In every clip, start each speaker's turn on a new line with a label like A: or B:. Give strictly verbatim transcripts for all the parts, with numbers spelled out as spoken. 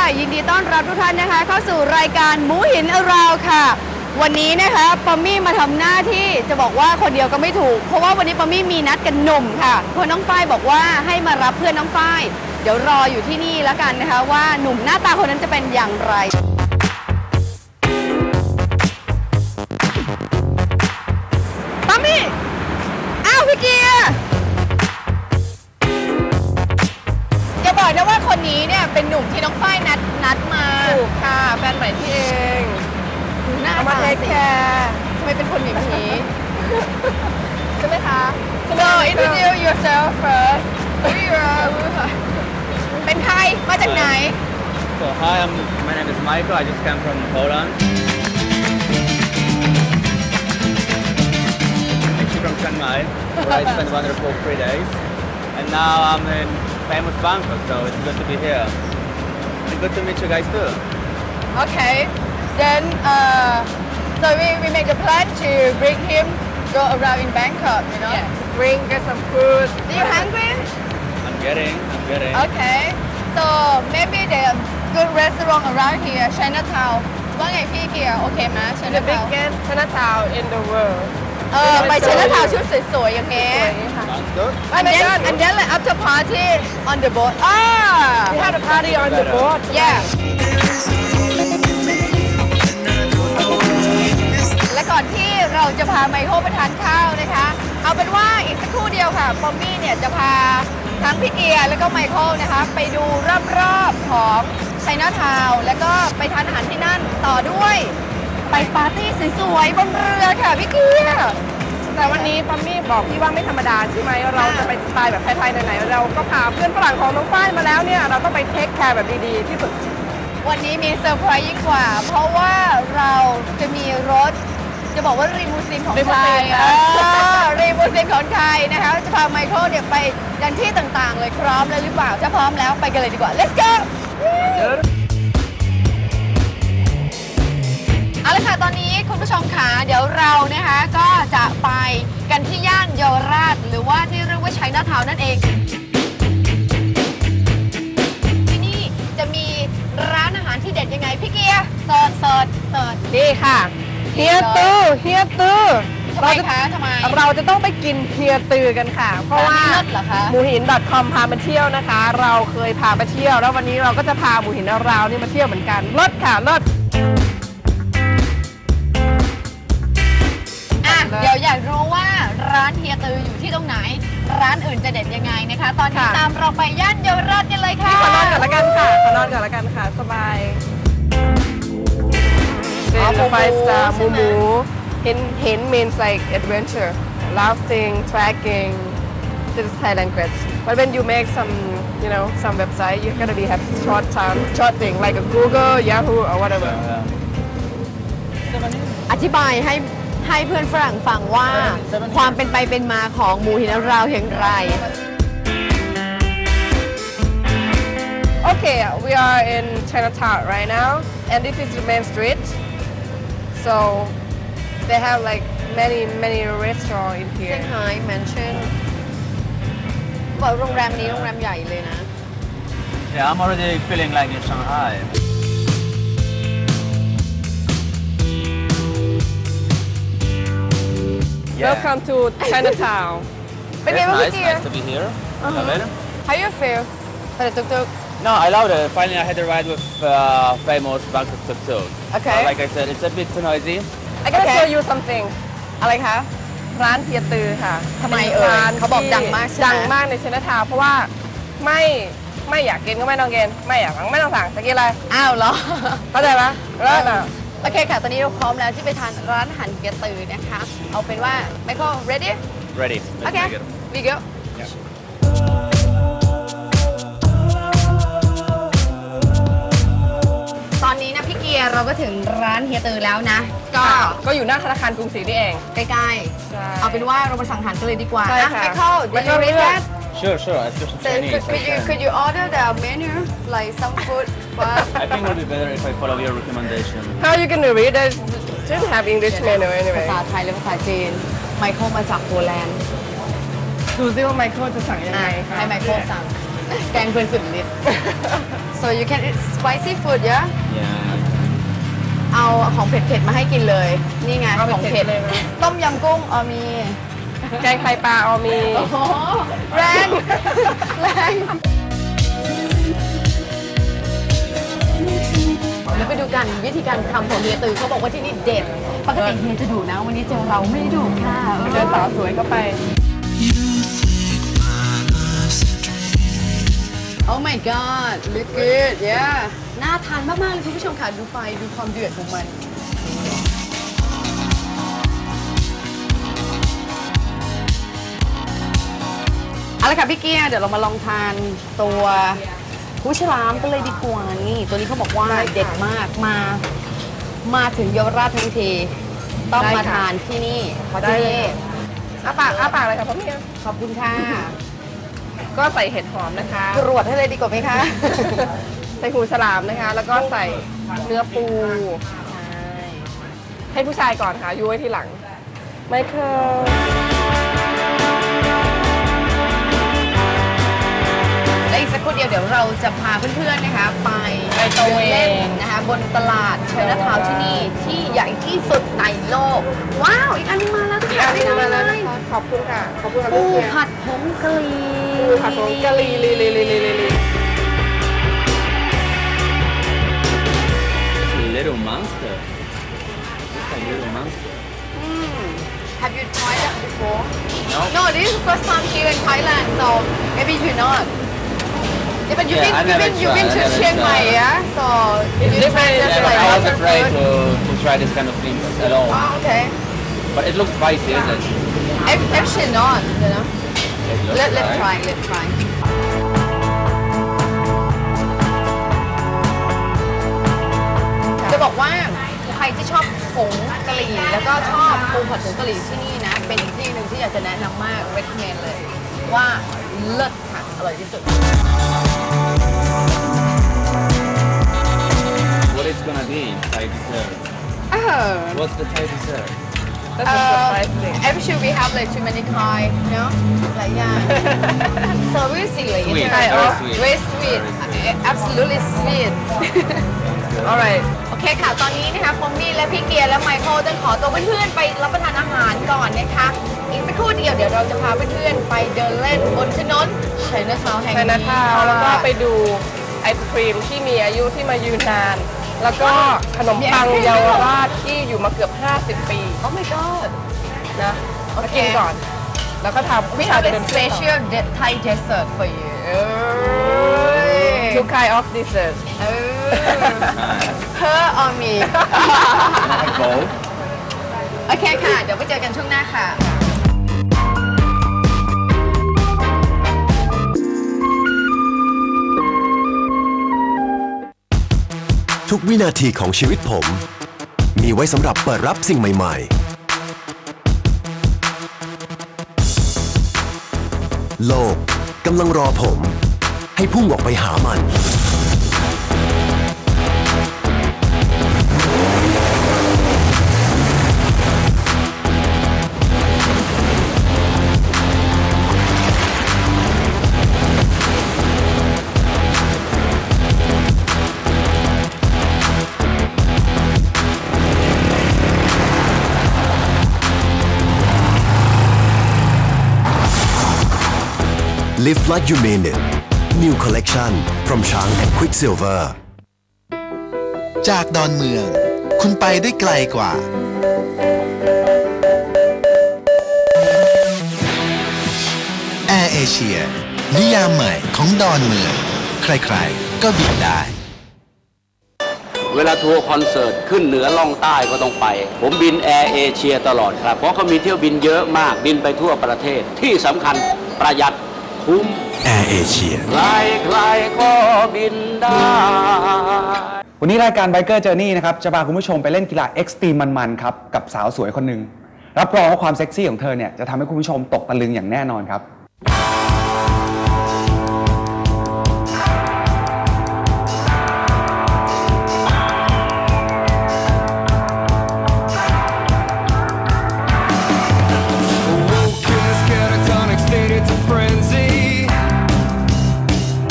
A: ยินดีต้อนรับทุกท่านนะคะเข้าสู่รายการหมูหินอราวค่ะวันนี้นะคะปอมมี่มาทำหน้าที่จะบอกว่าคนเดียวก็ไม่ถูกเพราะว่าวันนี้ปอมมี่มีนัดกันหนุ่มค่ะเพื่อนน้องฝ้ายบอกว่าให้มารับเพื่อนน้องฝ้ายเดี๋ยวรออยู่ที่นี่แล้วกันนะคะว่าหนุ่มหน้าตาคนนั้นจะเป็นอย่างไรปอมมี่อ้าวพี่เกียร์อย่าบอกนะว่าคนนี้เนี่ยเป็นหนุ่มที่น้องฝ้ายนัดนัดมา
B: ถูกค่ะแฟนใหม่ที่เอง
A: หน้า
B: มาเทคแคร์
A: ทำไมเป็นคนอย่างนี้
B: ใช่ไหมคะ
A: So introduce yourself first Who you are เป็นใครมาจากไหน
C: So hi, I'm, my name is Michael. I just came from Poland. Actually from Chiang Mai, where I spent wonderful three days. And now I'm in famous Bangkok, so it's good to be here. And good to meet you guys too.
A: Okay. Then, uh, so we, we make a plan to bring him go around in Bangkok, you know?
B: Yeah. Bring get some food.
A: Are you hungry?
C: I'm getting, I'm getting.
A: Okay. So maybe the good restaurant around here, Chinatown. ว่าไงพี่เกียร์โอเคไหม
B: The
A: Chinatown
B: biggest Chinatown in the world.
A: เออไป Chinatown ชุดสวยๆอย่างเงี้ย
C: Sounds good.
A: And then and then like after party on the boat. Ah.
B: We had a party on the boat.
A: Yeah. และก่อนที่เราจะพาไมเคิลไปทานข้าวนะคะเอาเป็นว่าอีกสักครู่เดียวค่ะปอมมี่เนี่ยจะพาทั้งพี่เกียร์แล้วก็ไมเคิลนะคะไปดูรอบๆของไชน่าทาวน์แล้วก็ไปทานอาหารที่นั่นต่อด้วยไปปาร์ตี้สวยๆบนเรือค่ะพี่เกียร์
B: แต่วันนี้ปัมมี่บอกพี่ว่าไม่ธรรมดาใช่ไหมเราจะไปสไตล์แบบไทยๆไหนๆเราก็พาเพื่อนฝรั่งของน้องฝ้ายมาแล้วเนี่ยเราต้องไปเทคแคร์แบบดีๆที่สุด
A: วันนี้มีเซอร์ไพรส์ยิ่งกว่าเพราะว่าเราจะมีรถจะบอกว่ารีมูซีนของไทยรีมูซีนของไทยนะคะจะพาไมเคิลเนี่ยไปยังที่ต่างๆเลยพร้อมเลยหรือเปล่าถ้าพร้อมแล้วไปกันเลยดีกว่า let's go เอาละค่ะตอนนี้คุณผู้ชมค่ะเดี๋ยวเรานะคะก็จะไปกันที่ย่านเยาวราชหรือว่าที่เรียกว่าไชน่าทาวน์นั่นเองที่นี่จะมีร้านอาหารที่เด็ดยังไงพี่เกียร์เสิร์ชเสิร์ชเสิร์ช
B: นี่ค่ะเฮียตื้อเฮียตื้อ
A: เราจะทำไม
B: เราจะต้องไปกินเฮียตื้อกันค่ะเพราะว่าหมูหิน .com พามาเที่ยวนะคะเราเคยพาไปเที่ยวแล้ววันนี้เราก็จะพาหมูหินเรานี่มาเที่ยวเหมือนกันรถค่ะรถ
A: เดี๋ยวอยากรู้ว่าร้านเฮียตืออยู่ที่ตรงไหนร้านอื่นจะเด็ดยังไงนะคะตอนนี้ตามเราไปย่านเยาวราชกันเลยค่ะ
B: ขอนอนก่อนละกันค่ะขอนอนก่อนละกันค่ะสบายเป็นไฟสตาร์หมูหมูเห็นเห็น means like adventure laughing tracking this is Thai language but when you make some you know some website you're gonna be have short time short thing like a Google Yahoo or whatever
A: อธิบายให้ให้เพื่อนฝรั่งฟังว่าความเป็นไปเป็นมาของหมูหินเราอย่างไร
B: Okay we are in Chinatown right now and this is the main street so they have like many many restaurants in here
A: Shanghai Mansion บอกโรงแรมนี้โรงแรมใหญ่เลยนะ
C: Yeah, I'm already feeling like in Shanghai.
B: Welcome to Chinatown.
A: It's
C: nice, nice to be here.
A: Uh-huh.
C: Love it.
A: How you feel for the tuk-tuk?
C: No, I loved it. Finally, I had a ride with uh, famous Bangkok tuk-tuk.
A: Okay.
C: Uh, like I said, it's a bit too noisy.
B: I gotta
A: Okay.
B: show you something.
A: อะไรคะ
B: ร้านเฮียตือค่ะ
A: ทำไมเอ่ย
B: ร้น
A: เขาบอกดังมากใช่ไหม
B: ดังมากใน Chinatown เพราะว่าไม่ไม่อยากกินก็ไม่ต้องกินไม่อยากสั่งไม่ต้องสั่งจะกินอะไร
A: อ้าวเหรอ
B: เข้าใจไหมเลิศอ่ะ
A: โอเคค่ะ ตอนนี้เราพร้อมแล้วที่ไปทานร้านอาหารเฮียตือนะคะ เอาเป็นว่า Michael ready
C: Ready. Let's
A: Okay
C: make it.
A: we go
C: Yeah.
A: ตอนนี้นะพี่เกียร์เราก็ถึงร้านเฮียตือแล้วนะ ก็
B: ก็อยู่หน้าธนาคารกรุงศรีนี่เอง
A: ใกล้
B: ใช่
A: ๆ เอาเป็นว่าเรามาสั่งอาหารกันเลยดีกว่า
B: ใช่
A: นะ
B: ค่ะ
A: Michael did you
B: Michael
A: read
B: read
A: that
C: Sure, sure. Especially
A: So
C: Chinese.
A: could, could you could you order the menu like some food for us?
C: I think it would be better if I follow your recommendation.
B: How you gonna read it didn't have English menu
A: ภา
B: anyway
A: ษาไทยหรือภาษาจีน ไมเคิลมาจากโปแลนด์
B: ดูซิว่าไมเคิลจะสั่งยังไง
A: อ่ะ
B: คะ
A: ให้ไมเคิลสั่งแกงเพื่อนสุดฤทธิ์ so you can eat spicy food yeah
C: Yeah.
A: เอาของเผ็ดๆมาให้กินเลย นี่ไง
B: เอา
A: ของ
B: เผ็
A: เผ็
B: ด
A: ด
B: ๆเลยนะ
A: ต้มยำกุ้งอ๋อมี
B: แกงไข่ปลาเอามี
A: โอ้โหแรงแรงเดี๋ยวไปดูกันวิธีการทำของเฮียตือเขาบอกว่าที่นี่เด็ดปกติเฮียจะดุนะวันนี้เจอเราไม่ดุค่ะ
B: เจอสาวสวยเข้าไป
A: Oh my god look good yeah น่าทานมากๆเลยคุณผู้ชมค่ะดูไฟดูความเดือดของมันเอาละค่ะพี่เกียร์เดี๋ยวเรามาลองทานตัวหูฉลามกันเลยดีกว่านี่ตัวนี้เขาบอกว่า
B: ได้ค่ะ
A: เด็ดมากมา มาถึงเยาวราชทั้งทีต้อง
B: ได้
A: มา
B: ค่ะ
A: ทานที่นี่เพราะ
B: ได้
A: ที่
B: เลย
A: นี่
B: ค่ะ อาปากอาปากเลยค่ะพ่อเมีย
A: ขอบคุณค่ะ
B: ก็ใส่เห็ดหอมนะคะ
A: ตรวจให้เลยดีกว่าไหมคะ
B: ใส่หูฉลามนะคะ แล้วก็ใส่เนื้อปู ให้ผู้ชายก่อนค่ะยูไว้ทีหลัง ไมเคิล
A: และอีกสักครู่เดียวเดี๋ยวเราจะพาเพื่อนๆนะคะไป
B: ไปตระเวน
A: เล่นนะคะบนตลาดไชน่าทาวน์ที่นี่ที่ใหญ่ที่สุดในโลก ว้าว อีกอันนึงมาแล้ว
B: อีกอันหนึงมาแล้ว
A: เล
B: นะ
A: ย
B: คะขอบคุณค่ะ ขอบคุณค่ะ
A: ปู
B: พี่เกียร์
A: ผัดผงกะหรี่
B: ปูผัดผงกะหรี่ลีลีลีลีลีลี
C: It's a little monster. It's a little monster.
A: Have you tried that before
C: No.
A: No this is the first time here in Thailand so maybe you not Yeah, but you've
C: Yeah,
A: been,
C: I
A: you've
C: never
A: been, you've been
C: tried,
A: to
C: I never
A: Chiang Mai,
C: tried.
A: yeah? So
B: It's
A: you
B: different,
A: tried just
C: Yeah,
A: like
C: but I was
A: Western
C: afraid
A: food.
C: to, to try this kind of things at all.
A: Oh, okay.
C: But it looks spicy, isn't it?
A: Ac- Actually not, you know.
C: It looks
A: Let, let's
C: like.
A: try, let's try. จะบอกว่าใครที่ชอบผงกะหรี่แล้วก็ชอบปูผัดผงกะหรี่ที่นี่นะ เป็นอีกที่หนึ่งที่อยากจะแนะนำมาก recommend เลยว่าเลิศค่ะ อร่อยที่สุด
C: What it's gonna be, Thai dessert.
A: เออ
C: What's the Thai dessert?
B: That's a surprise thing
A: I'm sure we have like too many kind, you know, หลายอย่าง so we see like
C: Sweet,
A: it's
C: very
A: very
C: sweet.
A: very sweet,
C: Very sweet.
A: absolutely sweet.
B: alright
A: โอเคค่ะ ตอนนี้นะคะปอมมี่และพี่เกียร์และไมเคิลจะขอตัวเพื่อนๆไปรับประทานอาหารก่อนนะคะ อีกสักครู่เดียวเดี๋ยวเราจะพาเพื่อนๆไปเดินเล่นบนถนนไชน่าทาวน์แห่ง
B: ไช
A: นี้
B: น่าทาวน์แล้วก็ไปดูไอศครีมที่มีอายุที่มายืนนาน แล้วก็ขนมปังเยาวราชที่อยู่มาเกือบ ห้าสิบ ปี
A: โอ้ my god
B: นะ
A: โอ
B: มา
A: เค
B: กินก่อน แล้วก็ทำ
A: we have a special de- Thai dessert for you เอ้ย
B: two kind of dessert
A: เออ her or me
C: Both.
A: โอเคค่ะ เดี๋ยวไปเจอกันช่วงหน้าค่ะ
D: ทุกวินาทีของชีวิตผม มีไว้สำหรับเปิดรับสิ่งใหม่ๆ โลกกำลังรอผม ให้พุ่งออกไปหามัน Live like you mean it. New collection from Chang and Quicksilver.
E: จากดอนเมือง คุณไปได้ไกลกว่า Air Asia นิยามใหม่ของดอนเมือง ใครๆ ก็บินได้
F: เวลาทัวร์คอนเสิร์ตขึ้นเหนือล่องใต้ก็ต้องไป ผมบินแอร์เอเชียตลอดครับ เพราะเขามีเที่ยวบินเยอะมาก บินไปทั่วประเทศ ที่สำคัญประหยัดคุ้ม
D: Air Asia
F: ใครๆก็บินได้
G: วันนี้รายการ Biker Journey นะครับจะพาคุณผู้ชมไปเล่นกีฬาเอ็กซ์ตรีมมันๆครับกับสาวสวยคนหนึ่งรับรองว่าความเซ็กซี่ของเธอเนี่ยจะทำให้คุณผู้ชมตกตะลึงอย่างแน่นอนครับ
H: Woke in this catatonic state, it's a frenzy.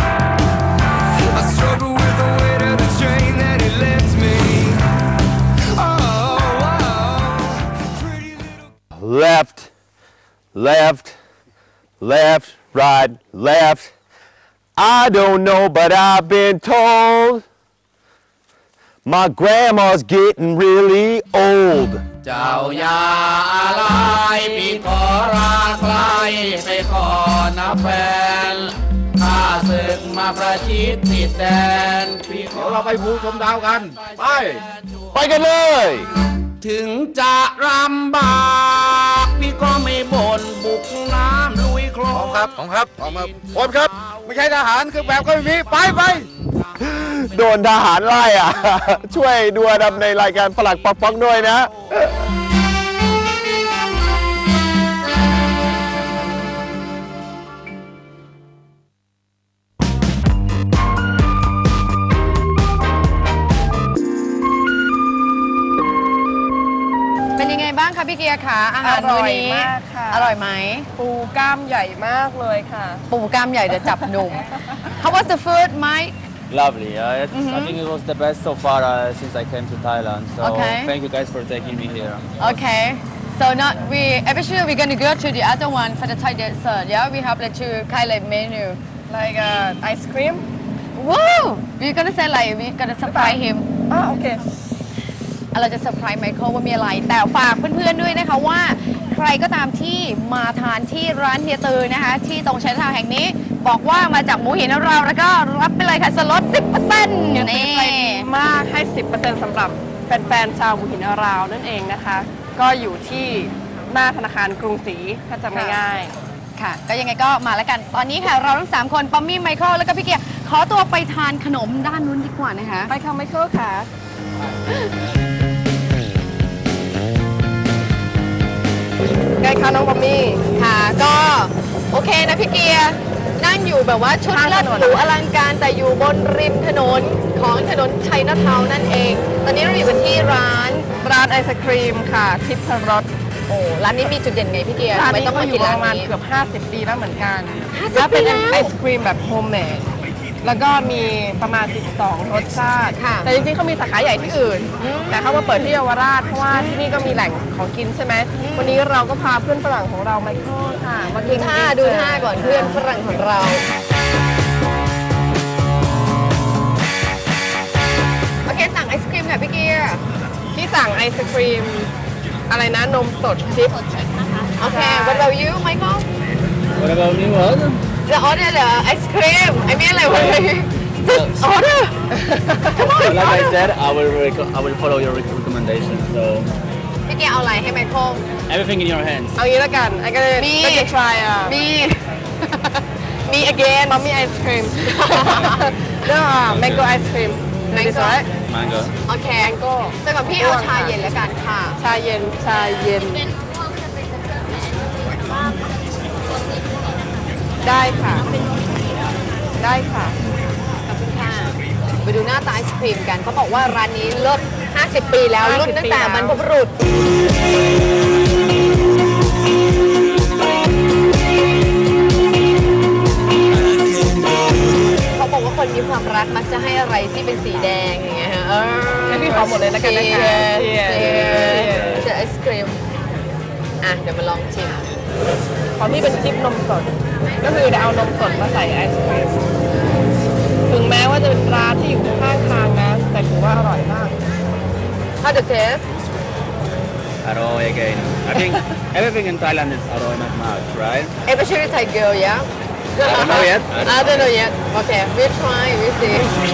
H: left, left, right, left. I don't know, but I've been told my grandma's getting really old.
F: เจ้ายาอะไรพี่ขอราใครไปขอนะแฟนข้าศึกมาประชิดติดแดนพี่ขอเราไปภูชมดาวกันไป
H: ไปกันเลย
F: ถึงจะลำบากพี่ก็ไม่บ่นบุกน้ำลุยคลองครับของครับออกมาคนครับไม่ใช่ทหารคือแบบก็ไม่มีไปไป
H: โดนทหารไล่อ่ะ ช่วยดูดำในรายการฝรั่งป๊อกๆด้วยนะ
A: เป็นยังไงบ้างคะพี่เกียร์คะอาหารมื้อนี้
B: อร่อยมากค่ะ
A: อร่อยไหม
B: ปูกล้ามใหญ่มากเลยค่ะ
A: ปูกล้ามใหญ่เดี๋ยวจับหนุ่ม How was the food Mike
C: Lovely. Uh, it's, I think it was the best so far uh, since I came to Thailand. So
A: Okay.
C: thank you guys for taking me here.
A: Okay so not we eventually we're gonna go to the other one for the Thai dessert yeah we have the two kind of menu
B: like uh, ice cream
A: Wow we're gonna say like we're gonna surprise him
B: อ่าโอเค
A: เราจะเซอร์ไพรส์ไมเคิลว่ามีอะไร แต่ฝากเพื่อนๆด้วยนะคะว่าใครก็ตามที่มาทานที่ร้านเฮียตือนะคะที่ตรงชัยทาวน์แห่งนี้ บอกว่ามาจากหมูหินเราแล้วก็รับไปเลยค่ะส่วนลด สิบเปอร์เซ็นต์
B: นี่
A: นี่
B: ใจดีมากให้ สิบเปอร์เซ็นต์ สำหรับแฟนๆชาวบุหินอาราวนั่นเองนะคะ ก็อยู่ที่หน้าธนาคารกรุงศรีถ้าจำง่าย
A: ค่ะ ก็ยังไงก็มาแล้วกัน ตอนนี้ค่ะเราทั้งสามคนปอมมี่ไมเคิลแล้วก็พี่เกียร์ขอตัวไปทานขนมด้านนู้นดีกว่านะคะ
B: ๆไปค่ะไมเคิลค่ะ ไงคะน้องปอมมี่
A: ค่ะก็โอเคนะพี่เกียร์นั่งอยู่แบบว่าชุด
B: ข้าง
A: เลิ
B: ถ
A: ศ
B: นน
A: หรูอลังการแต่อยู่บนริมถนนของถนนชัยนาทาวน์นั่นเอง ตอนนี้เราอยู่กันที่ร้าน
B: ร้านไอศครีมค่ะทิพรส
A: โอ้ร้านนี้มีจุดเด่นไงพี่เกียร์
B: ร้าน
A: ทำไม
B: นี้
A: ต้อง
B: ก็
A: มา
B: อ
A: กิน
B: ยู่ป
A: ร้าน
B: ระมาณ
A: นี้
B: เกือบห้าสิบปีแล้วเหมือนกัน
A: ห้าสิบ
B: แล้วเป็น
A: ปีแล้ว
B: ไอศครีมแบบโฮมเมดแล้วก็มีประมาณสิบสองรสชาติ
A: ค่ะ
B: แต่จริงๆเขามีสาขาใหญ่ที่อื่น แต่เขามาเปิดที่เยาวราชเพราะว่าที่นี่ก็มีแหล่งของกินใช่ไหม วันนี้เราก็พาเพื่อนฝรั่งของเราไมเคิลค่ะ มา
A: ดู
B: กิน
A: ท่า
B: ดีเซอร์
A: ดูท่าก่อนเพื่อนฝรั่งของเรา โอเคสั่งไอศครีมค่ะพี่เกียร์
B: ที่สั่งไอศครีมอะไรนะนมสดชิพ
A: โอเค what about you Michael
C: What about me? What?
A: the order the ice cream I mean like what are you just order come on
C: Like I said, I will rec- I will follow your rec- recommendation. So
A: พี่เกียร์เอาอะไรให้ไมเคิล
C: everything in your hands.
B: เอางี้แล้วกันไอ้ก็จะ
A: มี
B: ก็จะ try อ่ะ
A: มี
B: มี again มัมมี่ไอศครีม no mango ice cream
A: Mango
B: right
C: Mango.
A: โอเคก็สำหรับพี่เอาชาเย็นแล้วกันค่ะ
B: ชาเย็นชาเย็น ได้ค่ะ ได้ค่ะ
A: ขอบคุณค่ะไปดูหน้าตาไอศครีมกันเขาบอกว่าร้านนี้เลิศห้าสิบปีแล้ว
B: ห้าสิบ
A: รุ่นตั้งแต่
B: ปีแล้ว
A: บรรพบุรุษเขาบอกว่าคนมีความรักมักจะให้อะไรที่เป็นสีแดงอย่างเงี้ยฮะเออ
B: ให้พี่ขอหมดเลยแล้วกันนะคะ
A: เชียร์
B: เชียร์
A: เชียร์ไอศครีมอ่ะเดี๋ยวมาลองชิม
B: ของพี่เป็นชิปนมสด ก็คือจะเอานมสดมาใส่ไอศครีมถึงแม้ว่าจะเป็นร้านที่อยู่ข้างทางนะ แต่ถือว่าอร่อยมาก
A: How the taste
C: Aroy again. I think everything in Thailand is Aroy not much, right?
A: especially Thai girl yeah
C: I don't know yet.
A: I don't know yet okay we try we see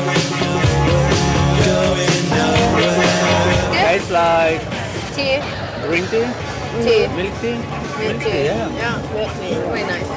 C: Tastes like
A: tea
C: green tea,
A: tea
C: milk tea.
A: milk tea
C: yeah.
A: yeah milk tea very nice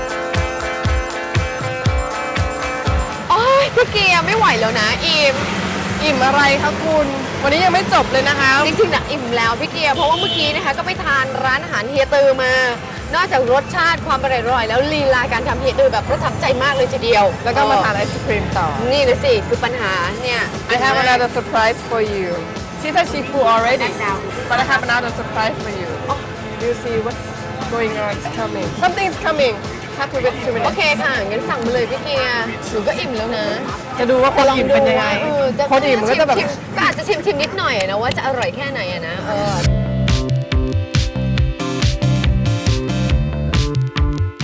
A: โอ้ยพี่เกียร์ไม่ไหวแล้วนะอิ่ม
B: อิ่มอะไรคะคุณ วันนี้ยังไม่จบเลยนะคะ
A: จริงๆนะอิ่มแล้วพี่เกียร์เพราะว่าเมื่อกี้นะคะก็ไปทานร้านอาหารเฮียตือมา นอกจากรสชาติความอร่อยแล้วลีลาการทำเฮียตือแบบประทับใจมากเลยทีเดียว
B: แล้วก็มาทานไอศครีมต่อ
A: นี่เลยสิคือปัญหาเนี่ย
B: I have another surprise for you. She said she full already, but I have another surprise for you. You see what's going on? It's coming. Something's coming. Have to wait two
A: โอ
B: minutes.
A: เคค่ะงั้นสั่งมาเลยพี่เกียร์หนูก็อิ่มแล้วนะ
B: จะดูว่าคนอิ่มเป็นยังไง
A: เออจะ
B: คนอิ่มมันก็จะแบบ
A: ชิมๆก็อาจจะชิมชิมๆนิดหน่อยนะว่าจะอร่อยแค่ไหนอะนะเออ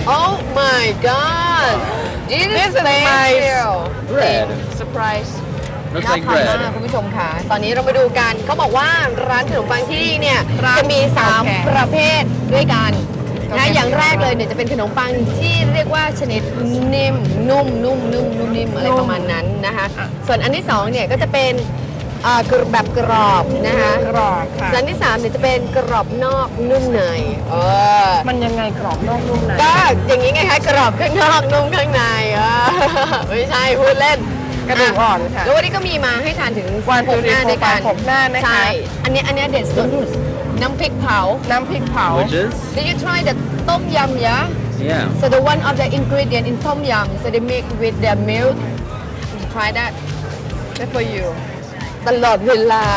A: Oh my god this
B: This
A: is
B: is my
A: special
C: bread.
B: surprise
C: Looks
A: น่า
C: like
A: ทานมาก
C: bread.
A: คุณผู้ชมค่ะ ตอนนี้เรามาดูกันเขาบอกว่าร้านขนมปังที่นี่เนี่ย
B: ร้าน
A: จะมีสาม
B: เก่าแก่
A: ประเภทด้วยกัน
B: เก่า
A: นะ
B: แก่
A: อย่างแรกเลยเนี่ยจะเป็นขนมปังที่เรียกว่าชนิดนิ่มนุ่มนุ่มนุ่มนุ่มนิ่มอะไรประมาณนั้นนะคะส่วนอันที่สองเนี่ยก็จะเป็นอ่ากรแบบกรอบนะคะ
B: กรอบค่ะ
A: ส่วนอันที่สามเนี่ยจะเป็นกรอบนอกนุ่มในเออ
B: มันยังไงกรอบนอกนุ่มใน
A: ก็อย่างนี้ไงคะกรอบข้างนอกนุ่มข้างในเออไม่ใช่พูดเล่น
B: กระดูกอ่อนค่ะ
A: แล้ววันนี้ก็มีมาให้ทานถึง
B: วัน
A: หกหน้าด้วยกัน
B: หกหน้านะคะ
A: ใช่ อันนี้อันนี้เด็ดสุดน้ำพริกเผา
B: น้ำพริกเผา
C: Which is?
A: Did you try the ต้มยำ yeah
C: Yeah.
A: so the one of the ingredient in ต้มยำ so they make with their milk you try that
B: That's for you
A: ตลอดเวลา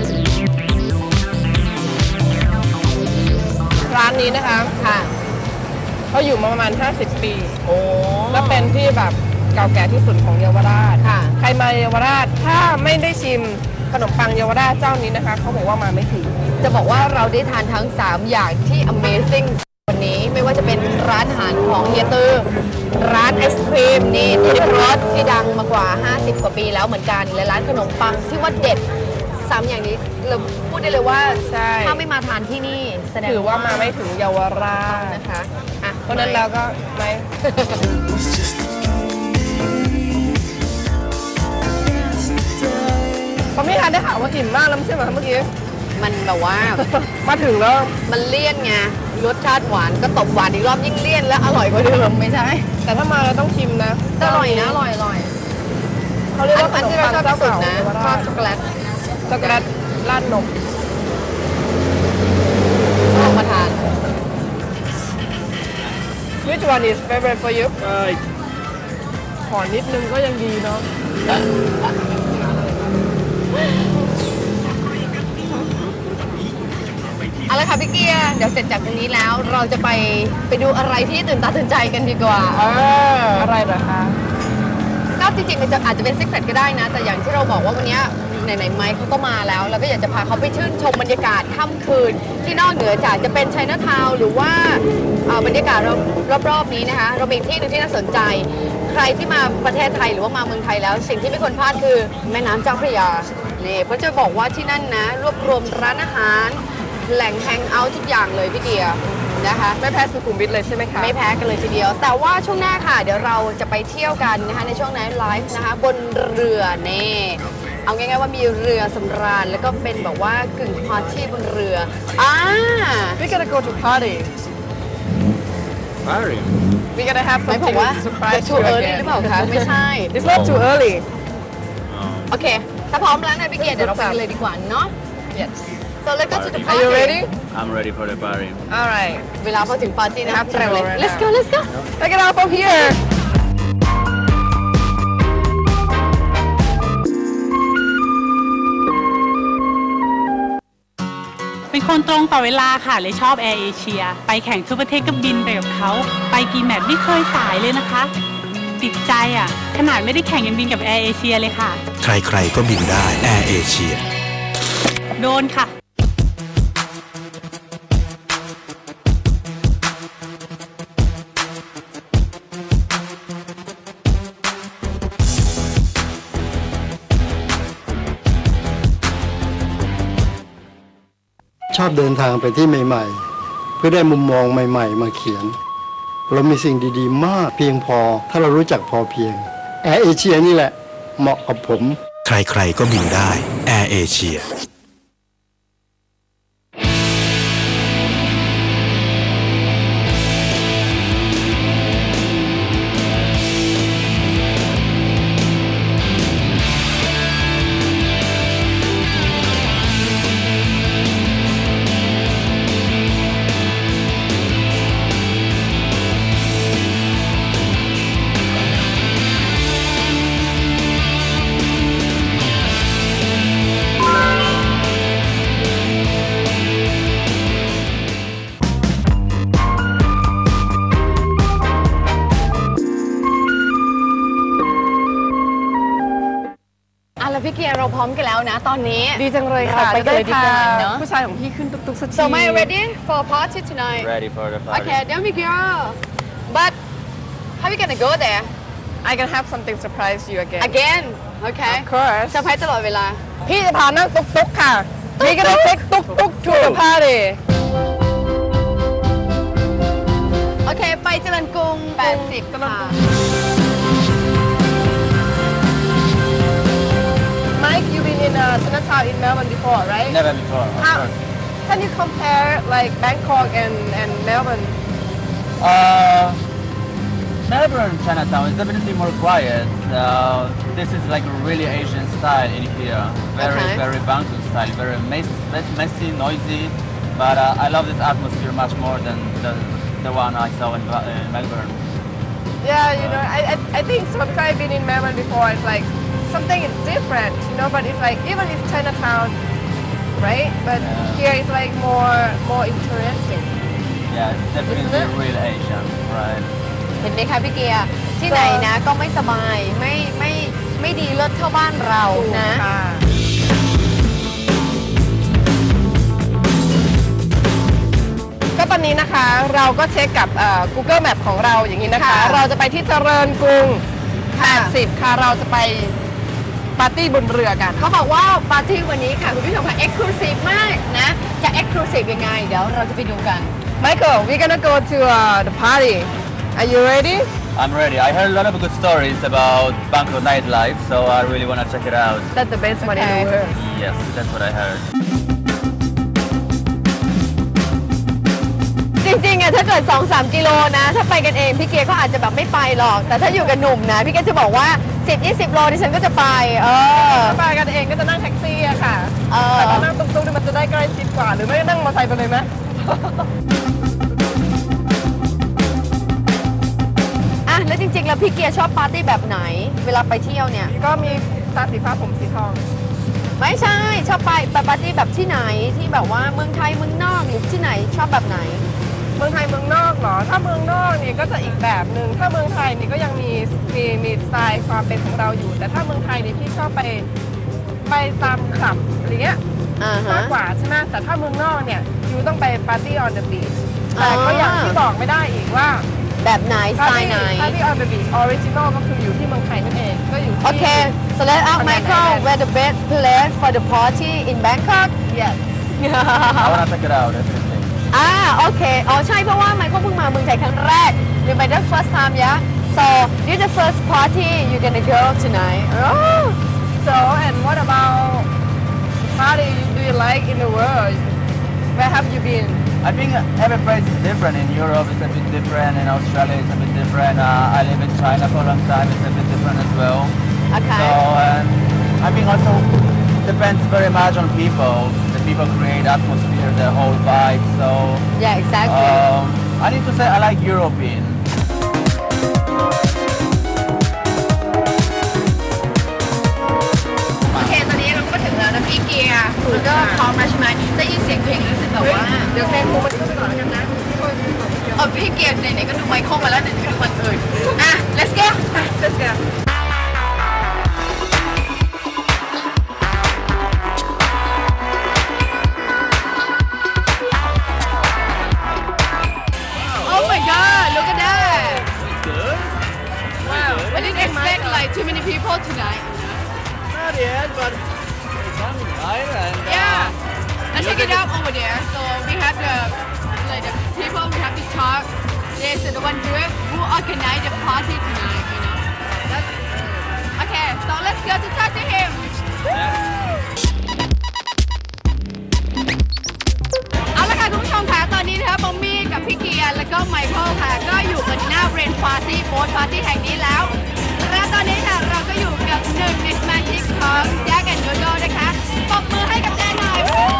B: ร้านนี้นะคะ
A: ค่ะ
B: เขาอยู่มาประมาณ ห้าสิบ ปี
A: โอ้
B: และเป็นที่แบบเก่าแก่ที่สุดของเยาวราช
A: ค่ะ
B: ใครมาเยาวราชถ้าไม่ได้ชิมขนมปังเยาวราชเจ้านี้นะคะเขาบอกว่ามาไม่ถึง
A: จะบอกว่าเราได้ทานทั้ง สาม อย่างที่ Amazing วันนี้ไม่ว่าจะเป็นร้านอาหารของเฮียตือร้านไอศครีมนี่ทิพรสที่ดังมากว่า ห้าสิบ กว่าปีแล้วเหมือนกันและร้านขนมปังที่ว่าเด็ดสามอย่างนี้เราพูดได้เลยว่า
B: ใช่
A: ถ้าไม่มาทานที่นี่แสดง
B: ถือว่ามาไม่ถึงเยาวราช
A: นะคะอ่ะ
B: เพราะฉะนั้นแล้วก็ไม่ เขาไม่ทานได้ข่าวว่าอิ่มมากแล้วไม่ใช่เหรอคะเมื่อกี้
A: มันแบบว่า
B: มาถึงแล้ว
A: มันเลี่ยนไงรสชาติหวานก็ตบหวานอีกรอบยิ่งเลี่ยนและอร่อยกว่าเดิมไม่ใช่
B: แต่ถ้ามาเราต้องชิมนะ
A: แต่อร่อยนะอร่อยอร่อย
B: เขาเรียก
A: อัน
B: ว่าข
A: อัน
B: นม
A: ที่เรา
B: ปัง
A: ชอบ
B: เจ้า
A: ที่สุด
B: เก่า
A: นะ
B: เยาว
A: ชอ
B: รา
A: บ
B: ช
A: ช็อกโกแลต
B: ช็อกโกแลตราดนม
A: ลองมาทาน
B: Which one is favorite for you
C: Right.
B: ขอนิดนึงก็ยังดีเนาะ
A: เอาละค่ะพี่เกียร์เดี๋ยวเสร็จจากตรงนี้แล้วเราจะไปไปดูอะไรที่ตื่นตาตื่นใจกันดีกว่า
B: อะไรเหรอคะ
A: ก็จริงๆมันจะอาจจะเป็นซิกเ e ตก็ได้นะ แต่อย่างที่เราบอกว่าวันนี้ไหนๆไมค์เขาก็มาแล้วเราก็อยากจะพาเขาไปชื่นชมบรรยากาศค่ำคืน ที่นอกเหนือจากจะเป็นไชน่าทาวน์หรือว่าเอ่อบรรยากาศรอบๆนี้นะคะเรามีอีกที่หนึงที่น่าสนใจ ใครที่มาประเทศไทยหรือว่ามาเมืองไทยแล้ว สิ่งที่ไม่ควรพลาดคือแม่น้ำเจ้าพระยานี่เพราะจะบอกว่าที่นั่นนะรวบรวมร้านอาหารแหล่งแฮงเอาท์ทุกอย่างเลยพี่เกียร์นะคะ
B: ไม่แพ้สุขุมวิทเลยใช่ไหมคะ
A: ไม่แพ้กันเลยทีเดียว แต่ว่าช่วงหน้าค่ะ เดี๋ยวเราจะไปเที่ยวกันนะคะในช่วงไนท์ไลฟ์นะคะบนเรือเน่เอาง่ายๆว่ามีเรือสำราญแล้วก็เป็นแบบว่ากึ่งพาร์ตี้บนเรืออ่า
B: We gotta go to party
C: Sorry.
B: We gotta have
A: หมาย
B: something
A: ความว่า
B: surprise
A: too
B: you
A: early
B: again
A: หรือเปล่าคะไม่ใช่
B: It's not too early
C: Oh.
A: โอเค ถ้าพร้อมแล้วนะพี่เกียร์เดี๋ยวเราไปกันเลยดีกว่าเนาะ
B: Yes
A: so let's go to the
B: Are
A: party
B: you ready
C: I'm ready for the party.
B: Alright
A: เวลาพอถึงปาร์ตี้นะครับ
B: We have to
A: เร็วเลย
B: go right
A: let's
B: now.
A: go let's go
B: Take it out from here
I: เป็นคนตรงต่อเวลาค่ะเลยชอบแอร์เอเชียไปแข่งทั่วประเทศก็บินไปกับเขาไปกี่แมตช์ไม่เคยสายเลยนะคะ ติดใจอ่ะ ขนาดไม่ได้แข่งยังบินกับแอร์เอเชียเลยค่ะ
D: ใครๆก็บินได้แอร์เอเชีย
I: โดนค่ะ
J: ชอบเดินทางไปที่ใหม่ๆ เพื่อได้มุมมองใหม่ๆ มาเขียน เรามีสิ่งดีๆ มากเพียงพอถ้าเรารู้จักพอเพียงแอร์เอเชียนี่แหละ เหมาะกับผม
D: ใครๆก็บินได้แอร์เอเชีย
A: อ่ะแล้วพี่เกียร์เราพร้อมกันแล้วนะ ตอนนี้
B: ดีจังเลยค่ะ
A: เราไปกันเลยดีกว่า
B: ได้พ
A: เนอะ
B: ผู้ชายของพี่ขึ้นตุ๊กๆสักที
A: so am I ready for party tonight
C: Ready for the party.
A: Okay, there we go. gonna go there
B: I can have something surprise you again
A: again okay
B: of course
A: เซอร์ไพรส์ตลอดเวลา
B: พี่จะพานั่งตุ๊กตุ๊กค่ะพี่ก็ได้เซ็กตุ๊กตุ๊ก to the party
A: โอเคไปเจริญกรุงแปดสิบค่ะ
B: Mike you've been in uh, Chinatown in Melbourne before right
C: Never before. Of
B: How,
C: course.
B: can you compare like Bangkok and and Melbourne
C: Uh, Melbourne Chinatown is definitely more quiet. Uh, this is like a really Asian style in here. Very,
A: Okay.
C: very Bangkok style. Very mess, mess- messy, noisy. But uh, I love this atmosphere much more than the, the one I saw in, Ba- in Melbourne.
B: Yeah, you know, I, I, I think so because I've been in Melbourne before. It's like something is different, you know. But it's like even it's Chinatown, right? But
C: Yeah.
B: here it's like more more interesting.
C: Yeah, it's definitely
B: Isn't it?
C: real Asian, right?
A: เห็นไหมคะพี่เกียร์ที่ไหนนะก็ไม่สบายไม่ไม่ไม่ดีเลิศเท่าบ้านเรานะ
B: ค่ะก็ตอนนี้นะคะเราก็เช็คกับเอ่อ Google Map ของเราอย่างนี้นะคะ
A: ค่ะ
B: เราจะไปที่เจริญกรุง
A: ค่ะ
B: แปดสิบค่ะเราจะไปปาร์ตี้บนเรือกัน
A: เขาบอกว่าปาร์ตี้วันนี้ค่ะคุณผู้ชมค่ะ exclusive มากนะจะ exclusive ยังไงเดี๋ยวเราจะไปดูกัน
B: Michael we're gonna go to uh, the party are you ready
C: I'm ready. I heard a lot of good stories about Bangkok nightlife, so I really want to check it out.
B: that's the best one in
A: Okay.
B: the world
C: Yes, that's what I heard.
A: จริงๆอะถ้าเกิด สองถึงสาม กิโลนะถ้าไปกันเองพี่เกียร์ก็อาจจะแบบไม่ไปหรอก แต่ถ้าอยู่กับหนุ่มนะพี่เกียร์จะบอกว่า สิบถึงยี่สิบ โลดิฉันก็จะไปเออ
B: ถ้าไปกันเองก็จะนั่งแท็กซี่อะค่ะ
A: เออ
B: แต่ถ้านั่งตุ๊กๆนี่มันจะได้ใกล้ชิดกว่าหรือไม่นั่งมอเตอร์ไซค์ไปเลยไหม
A: อ่ะแล้วจริงๆแล้วพี่เกียร์ชอบปาร์ตี้แบบไหน เวลาไปเที่ยวเนี่ย
B: ก็มีตาสีฟ้าผมสีทอง
A: ไม่ใช่ชอบไปไปปาร์ตี้แบบที่ไหนที่แบบว่าเมืองไทยเมืองนอกหรือที่ไหนชอบแบบไหน
B: เมืองไทยเมืองนอกเหรอ ถ้าเมืองนอกเนี่ยก็จะอีกแบบหนึ่งถ้าเมืองไทยนี่ก็ยังมีมีมีสไตล์ความเป็นของเราอยู่ แต่ถ้าเมืองไทยนี่พี่ชอบไปไปตามคลับอะไรเงี้ย
A: อ่าฮะ
B: มากกว่าใช่ไหมแต่ถ้าเมืองนอกเนี่ยยูต้องไปปาร์ตี้ on the beach
A: อ๋อ
B: แต่ก็อย่างที่บอกไม่ได้อีกว่า
A: แบบไหนสไตล์ไหน
B: ปาร์ตี้ on the beach original ก็คืออยู่ที่เมืองไทยนั่นเองก็อยู่ที่
A: โอเค so let out Michael where the best place for the party in Bangkok
B: yes
C: I want to check it out, definitely.
A: อ่าโอเคอ๋อใช่เพราะว่าไมเคิลเพิ่งมาเมืองไทยครั้งแรก remember the first time yeah so this is the first party you gonna go tonight
B: oh so and what about party do you like in the world where have you been
C: I think every place is different. In Europe, it's a bit different. In Australia, it's a bit different. Uh, I live in China for a long time. It's a bit different as well.
A: okay
C: So, and I think also depends very much on people. The people create atmosphere, the whole vibe. So,
A: yeah exactly
C: um, I need to say I like European.
A: โอเคตอนนี้เราก็ถึงแล้วนะพี่เกียร์แล้วก็พร้อมแล้วใช่ไหมได้ยินเสียงเพลงรู้สึกแบบว่า
B: เดี๋ยวเพลงคงมันขึ้นไปก่อนแล้วกันนะ
A: เออพี่เกียร์ไหนๆก็ดูไมเคิลมาแล้วไหนๆก็ดูคนอื่นอ่ะ let's go
B: let's go
A: oh my god look at that
C: It's good.
A: wow I didn't expect like too many people tonight
C: Not yet, but it's coming, right? And, uh,
A: yeah let's check it out over there so we have the like the people we have to talk there's the one group who organize the party tonight you know that's okay so let's go to talk to him เอาละค่ะคุณผู้ชมค่ะตอนนี้นะคะบอมมี่กับพี่เกียร์แล้วก็ไมเคิลค่ะก็อยู่กันหน้าเรนปาร์ตี้โบ๊ทปาร์ตี้แห่งนี้แล้วและตอนนี้ค่ะเราก็อยู่กับหนึ่งในสมาชิกของแจ็คแอนด์โดโดนะคะปรบมือให้กับแจ็คหน่อย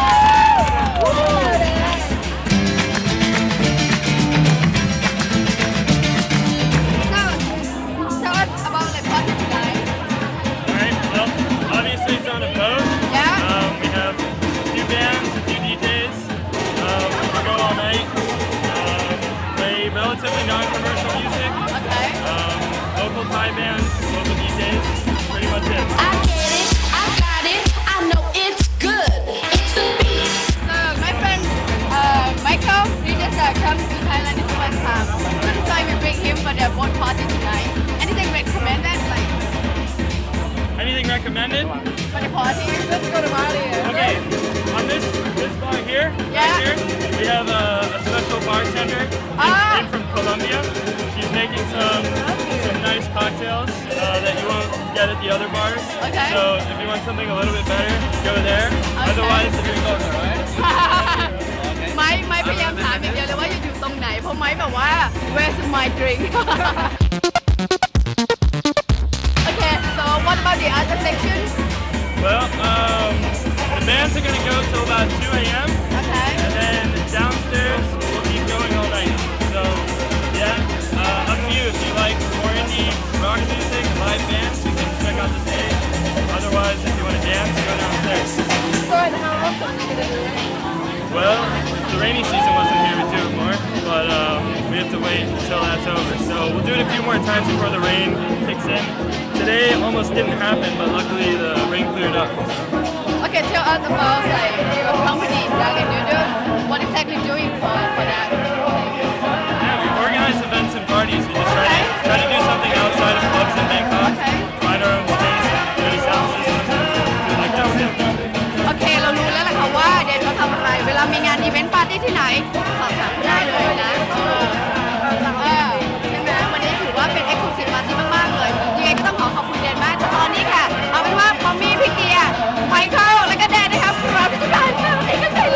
A: So tell us about the party tonight
K: Alright, well, obviously it's on a boat.
A: Yeah.
K: Um, we have a few bands, a few D Js. Um, we go all night. Um, play relatively non-commercial music.
A: okay
K: Um, local Thai bands, local D Js. Pretty much it.
L: I get it, I got it, I know it's good. It's the beat.
A: so my friend uh, Michael he just uh, come to Thailand this one time that's why we bring him for for the boat party tonight? Anything recommended? Like
K: Anything recommended?
A: for the party? Let's go to Bali.
K: Okay, on this this bar here,
A: Yeah.
K: right here, we have a, a special bartender
A: Ah.
K: in from Colombia. She's making some some nice cocktails uh, that you won't get at the other bars.
A: Okay.
K: So if you want something a little bit better, go there. Otherwise, if you're going right.
A: ไม้ไม้พยายามถามอย่างเดียวเลยว่าอยู่ตรงไหนเพราะไม้แบบว่า where's my drink Okay so what about the other sections
K: Well, um, the bands are gonna go till about two a m
A: Okay
K: And then downstairs we'll keep going all night. So yeah, uh, up to you. If you like more indie rock music, live bands, you can check out the stage. Otherwise, if you want to dance, go downstairs.
A: So and how often are you gonna do it
K: Well, if the rainy season wasn't here, we'd do it more, but um, we have to wait until that's over. So we'll do it a few more times before the rain kicks in. Today almost didn't happen, but luckily the rain cleared up.
A: Okay tell us about like your company Young and Noodle what exactly doing for for that
K: Yeah, we organize events and parties. We just try to, try to do something outside of clubs in Bangkok. Find our own space, get a sound system, do like that.
A: โอเคเรารู้แล้วแหละค่ะว่าเดนเขาทำอะไรเวลามีงานอีเวนต์ปาร์ตี้ที่ไหนสอบถามได้เลยนะเออเออใช่ไหมวันนี้ถือว่าเป็น exclusive party มากๆเลยยังไงก็ต้องขอขอบคุณเดนมากแต่ตอนนี้ค่ะเอาเป็นว่าปอมมี่พี่เกียร์ไมเคิลแล้วก็แดนนะครับพร้อมที่จะผ่านมาวันนี้กันได้เลย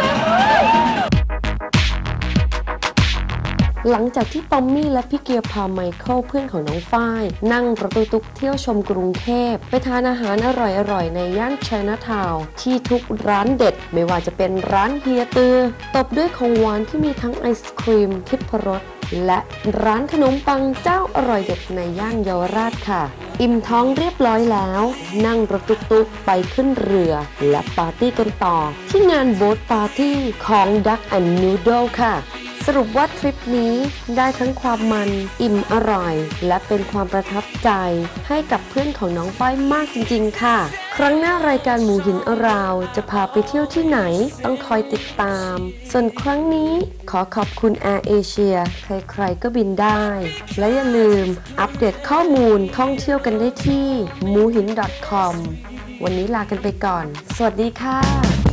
M: หลังจากที่ปอมมี่และพี่เกียร์พาไมเคิลเพื่อนของน้องฝ้ายนั่งรถตุ๊กๆเที่ยวชมกรุงเทพไปทานอาหารอร่อยๆในย่านไชน่าทาวน์ที่ทุกร้านเด็ดไม่ว่าจะเป็นร้านเฮียตือตบด้วยของหวานที่มีทั้งไอศครีมทิพรสและร้านขนมปังเจ้าอร่อยเด็ดในย่านเยาวราชค่ะอิ่มท้องเรียบร้อยแล้วนั่งรถตุ๊กๆไปขึ้นเรือและปาร์ตี้กันต่อที่งานโบ๊ทปาร์ตี้ของ Duck and Noodle ค่ะสรุปว่าทริปนี้ได้ทั้งความมันอิ่มอร่อยและเป็นความประทับใจให้กับเพื่อนของน้องฝ้ายมากจริงๆค่ะครั้งหน้ารายการหมูหินอราวจะพาไปเที่ยวที่ไหนต้องคอยติดตามส่วนครั้งนี้ขอขอบคุณ Air Asia ใครๆก็บินได้และอย่าลืมอัปเดตข้อมูลท่องเที่ยวกันได้ที่ มูหิน ดอท คอม วันนี้ลากันไปก่อนสวัสดีค่ะ